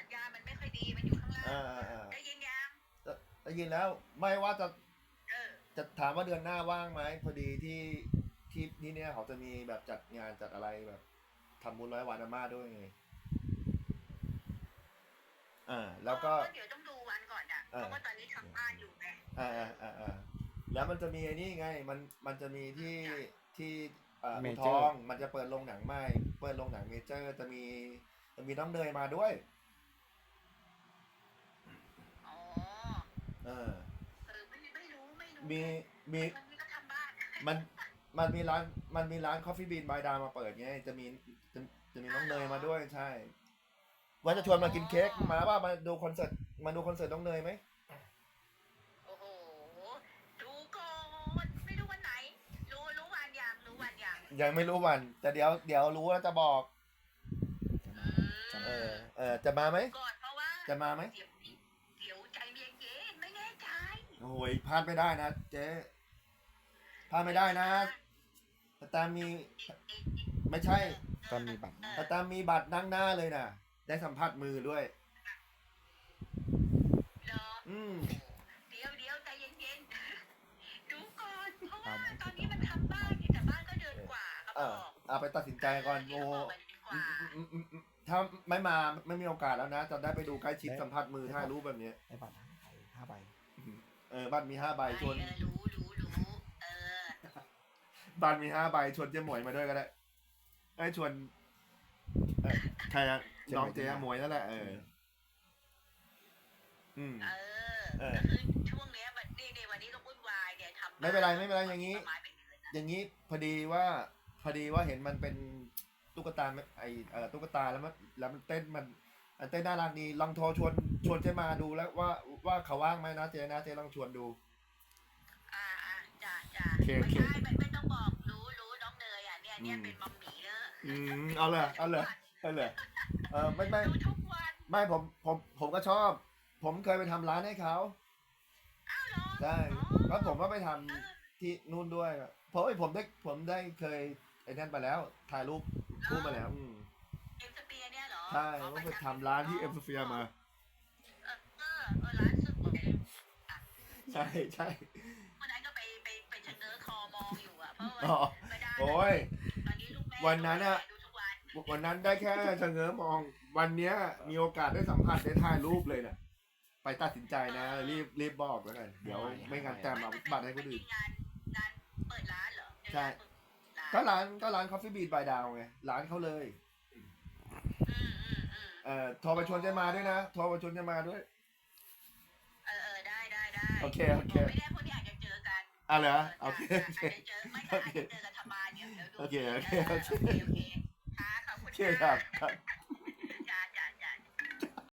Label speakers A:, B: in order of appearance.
A: ญาณมันไม่ค่อยดีมันอยู่ข้างล่าง
B: อ่า
A: ได้ยินยัง
B: ได้ยินแล้วไม่ว่าจะ
A: เออ
B: จะถามว่าเดือนหน้าว่างไหมพอดีที่เนี่ยเขาจะมีแบบจัดงานจัดอะไรแบบทำบุญ100 วันอาม่าด้วยไงแล้วก็
A: เดี๋ยวต้องดูวันก่อนอ่ะเพ
B: อ่า
A: ราะว่าตอนนี้ทำบ้านอยู่ไง
B: แล้วมันจะมีไอ้นี่ไงมันจะมีที่
C: เม
B: อู่ท
C: เจอร์
B: องมันจะเปิดโรงหนังใหม่เปิดโรงหนังเมเจอร์จะมีน้องเนยมาด้วย
A: อ๋อ
B: เออ
A: ไม่รู้
B: มีมี
A: วันนี้ก็ทำบ้าน
B: มันมันมีร้านคอฟฟี่บีนบายดามาเปิดไงจะจะมีน้องเนยมาด้วยใช่ว่าจะชวนมากินเค้กมาว่ามาดูคอนเสิร์ตน้องเนยไหม
A: โอ้โหดูก่อนไม่รู้วันไหนรู้วันยัง
B: ยังไม่รู้วันแต่เดี๋ยวรู้แล้วจะบอก
C: จะมา
B: จะมาไหม
A: ก่อนเพราะว่า
B: จะมาไหม
A: เดี๋ยวใจเย็นๆไม่แน่ใจ
B: โอ้ยพลาดไม่ได้นะเจ๊พลาดไม่ได้นะแต่มีไม่ใช่
C: ตอนมีบัตร
B: แต่มีบัตรนั่งหน้าเลยนะได้สัมผัสมือด้วย
A: เหรอ
B: อืม
A: เดี๋ยวใจเย็นๆดูก่อนเพราะว่าตอนนี้มันทำบ้านแต่บ้านก็เดือนกว่าครับบอก
B: เอาไปตัดสินใจก่อนโอ้ถ้าไม่มีโอกาสแล้วนะจะได้ไปดูใกล้ชิดสัมผัสมือถ่ายรูปแบบนี้
C: ได้บัตร5 ใบ
B: บัตรมี5 ใบชวน
A: รู้เออ
B: บัตรมี5 ใบชวนเจ๊หมวยมาด้วยก็ได้ไอ้ชวนใครอะน้องเจ๊หมวยนั่นแหละ
A: ก็คือช่วงเนี้ยนี่วันนี้ต้องวุ่นวายเนี่ยทำ
B: ไม่เป็นไรอย่างนี้พอดีว่าเห็นมันเป็นตุ๊กตาตุ๊กตาแล้วมันเต้นมันเต้นน่ารักดีลองโทรชวนเจ๊มาดูแล้วว่าเขาว่างไหมนะเจ๊ลองชวนดู
A: จ้าไม่ต้องบอกรู้น้องเนยอ่ะเนี่ยเป็นมัมหมี่เนอะ
B: เอาเลยไม่
A: ดูทุกวัน
B: ไม่ผมก็ชอบผมเคยไปทำร้านให้เขาใช่แล้วผมก็ไปทำที่นู่นด้วยเพราะผมได้เคยไอ้นั่นไปแล้วถ่ายรูปคู่มาแล้ว
A: เอ็มสเปียเนี่ยเหรอ
B: ใช่ก็ไปทำร้านที่เอ็มสเฟียมา
A: ร้านสุด
B: ใช่
A: วันนั้นก็ไปเชงเง้อคอมองอยู่อ่ะเพราะว่า
B: โอ้ย
A: ตอนนี้ลูกแม่
B: วันนั้นอะวันนั้นได้แค่ชะเง้อมองวันเนี้ยมีโอกาสได้สัมผัสได้ถ่ายรูปเลยนะไปตัดสินใจนะรีบบอกแล้วกันเดี๋ยวไม่งั้นแต้มเอาบัตรให้คนอื่น
A: งานเปิดร้านเหรอ
B: ใช่ก็ร้านคอฟฟี่บีทบายดาวไงร้านเขาเลยโทรไปชวนเจมาด้วยนะโทรไปชวนเจมาด้วย
A: ได้
B: โอเค
A: ไม่ได้พวกนี้อาจจะเจอกัน
B: เหรอโอเค
A: อาจจะเจอไม่อาจจะเจอกันทำมาเดี๋ยวดู
B: โอเค
A: ค่ะขอบคุณ
B: ครับ